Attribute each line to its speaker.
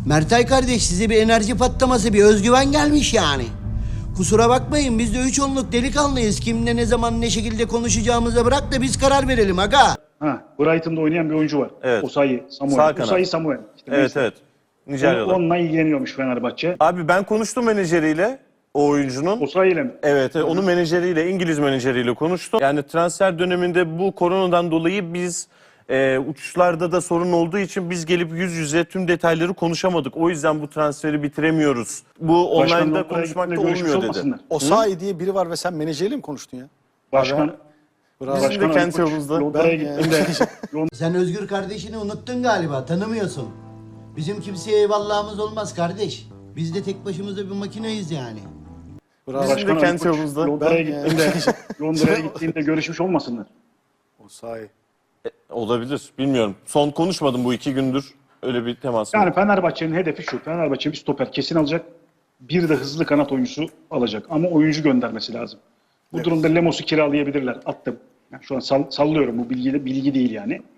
Speaker 1: Mertay kardeş size bir enerji patlaması, bir özgüven gelmiş yani. Kusura bakmayın biz de 3-10'luk delikanlıyız. Kimle ne zaman ne şekilde konuşacağımıza bırak da biz karar verelim aga.
Speaker 2: Ha, Brighton'da oynayan bir oyuncu var.
Speaker 3: Evet.
Speaker 2: Osayi
Speaker 3: Sağ
Speaker 2: Samuel.
Speaker 3: kanat.
Speaker 2: Osayi Samuel. İşte
Speaker 3: Evet
Speaker 2: neyse.
Speaker 3: evet. Nijeryalı.
Speaker 2: Onunla ilgileniyormuş Fenerbahçe.
Speaker 3: Abi ben konuştum menajeriyle o oyuncunun.
Speaker 2: Osayi ile mi?
Speaker 3: Evet, onun menajeriyle, İngiliz menajeriyle konuştum. Yani transfer döneminde bu koronadan dolayı biz uçuşlarda da sorun olduğu için biz gelip yüz yüze tüm detayları konuşamadık. O yüzden bu transferi bitiremiyoruz. Bu
Speaker 2: Başkanla
Speaker 3: online'da
Speaker 2: oraya
Speaker 3: konuşmak da
Speaker 2: gittiğinde görüşmüş
Speaker 3: olmuyor dedi.
Speaker 2: olmasınlar.
Speaker 4: Osayi diye biri var ve sen menajeriyle mi konuştun ya?
Speaker 2: Başkan.
Speaker 4: Bravo.
Speaker 3: Bizim de
Speaker 2: Başkan
Speaker 3: kendi
Speaker 2: Ali Koç
Speaker 3: yolumuzda.
Speaker 2: Londra'ya
Speaker 4: Ben-
Speaker 2: gittiğinde
Speaker 1: Sen Özgür kardeşini unuttun galiba, tanımıyorsun. Bizim kimseye eyvallahımız olmaz kardeş. Biz de tek başımıza bir makineyiz yani.
Speaker 4: Bravo.
Speaker 3: Bizim de
Speaker 2: Başkan Ali
Speaker 3: kendi
Speaker 2: Koç
Speaker 3: yolumuzda.
Speaker 2: Londra'ya
Speaker 4: Ben-
Speaker 2: gittiğinde Londra'ya gittiğinde görüşmüş olmasınlar.
Speaker 4: Osayi.
Speaker 3: Olabilir, bilmiyorum. Son konuşmadım bu 2 gündür. Öyle bir temas.
Speaker 2: Yani Fenerbahçe'nin hedefi şu. Fenerbahçe bir stoper kesin alacak. Bir de hızlı kanat oyuncusu alacak. Ama oyuncu göndermesi lazım. Bu durumda Lemos'u kiralayabilirler. Attım. Yani şu an sallıyorum. Bu bilgi değil yani.